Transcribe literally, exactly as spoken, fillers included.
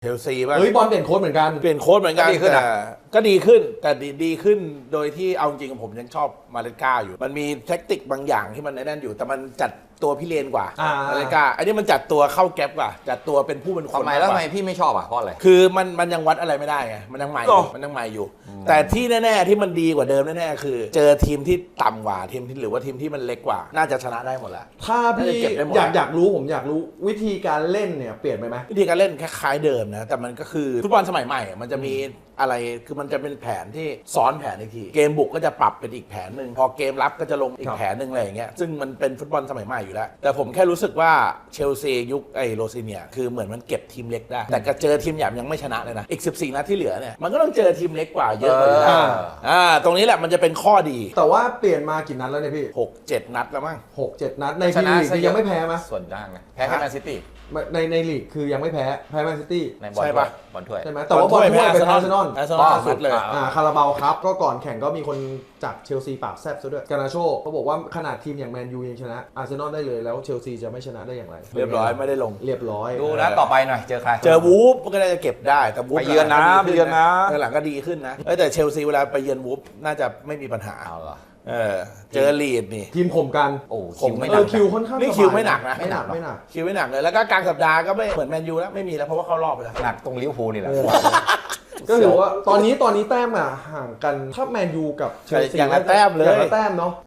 เชลซีบ้างเฮ้ยบอลเปลี่ยนโค้ชเหมือนกันเปลี่ยนโค้ชเหมือนกันก็ดีขึ้นแต่อะก็ดีขึ้นแต่ดีดีขึ้นโดยที่เอาจริงๆผมยังชอบมาเลก้าอยู่ มันมีแท็กติกบางอย่างที่มันแน่นอยู่ แต่มันจัดตัวพี่เลนกว่าอ่ามาเลก้าอันนี้มันจัดตัวเข้าแก๊ปกว่าจัดตัวเป็นผู้เป็นคนทำไมแล้วากทำกาไมพี่ไม่ชอบอ่ะเพราะอะไรคือมันมันยังวัดอะไรไม่ได้ไงมันยังใหม่อยู่มันยังใหม่อยู่ แต่ที่แน่ๆที่มันดีกว่าเดิมแน่ๆคือ เจอทีมที่ต่ำกว่าทีมที่หรือว่าทีมที่มันเล็กกว่า น่าจะชนะได้หมดแล้วถ้าพี่น่าจะเก็บได้หมดอยากอยากรู้ผมอยากรู้วิธีการเล่นเนี่ยเปลี่ยนไปไหมวิธีการเล่นคล้ายๆเดิมนะแต่มันก็คือฟุตบอลสมัยใหม่อะมันจะมีอะไรคือมันจะเป็นแผนที่ซ้อนแผนอีกทีเกมบุกก็จะปรับเป็นอีกแผนหนึ่งพอเกมรับก็จะลงอีครักบแผนหนึ่งอะไรอย่างเงี้ยซึ่งมันเป็นฟุตบอลสมัยใหม่อยู่แล้วแต่ผมแค่รู้สึกว่าเชลซียุคไอ้โรซิเนียคือเหมือนมันเก็บทีมเล็กได้แต่ก็เจอทีมใหญ่ยังไม่ชนะเลยนะอีกสิบสี่นัดที่เหลือเนี่ยมันก็ต้องเจอทีมเล็กกว่าเยอะกว่าอยู่แล้วเอออ่าตรงนี้แหละมันจะเป็นข้อดีแต่ว่าเปลี่ยนมากี่นัดแล้วเนี่ยพี่หกเจ็ดนัดแล้วมั้งหกเจ็ดนัดในพรีเมียร์ลีกนี่ยังไม่แพ้มั้ยส่วนด้างนะแพ้แค่แมนซิตี้ในในลีกคือยังไม่แพ้แพ้แมนซิตี้ในบอลใช่ถ้วปะยบอลถ้วยใช่ไหมแต่ว่าบอลถ้วยเป็นอาร์เซนอลอาร์เซนอลสุดเลยอ่าอ่าคาราบาวครับก็ก่อนแข่งก็มีคนจากเชลซีปากแซบซะด้วยกานาโชเขาบอกว่าขนาดทีมอย่างแมนยูยังชนะอาร์เซนอลได้เลยแล้วเชลซีจะไม่ชนะได้อย่างไรเรียบร้อยไม่ได้ลงเรียบร้อยดูนะต่อไปหน่อยเจอใครเจอวูฟก็น่าจะเก็บได้แต่วูฟไปเยือนนะหลังๆก็ไปเยือนนะดีขึ้หลังๆก็ดีขึ้นนะเอ้ยแต่เชลซีเวลาไปเยือนวูฟน่าจะไม่มีปัญหาเอาเหรอเออเจอลีดนี่ทีมข่มกันโอ้ผมคิวไม่หเอนัอก คิวค่อนข้างนี่สบายคิวไม่หนักนะไม่หนักไม่หนักคิวไม่หนักเลยแล้วก็กลางสัปดาห์ก็ไม่เหมือนแมนยูแล้วไม่มีแล้วเพราะว่าเขารอบไปแล้วหนักตรงลิเวอร์พูลนี่แหละก็ถือว่าตอนนี้ตอนนี้แต้มอ่ะห่างกันถ้าแมนยูกับเชลซีอย่างละแต้มเลยอย่างละแต้มเนาะ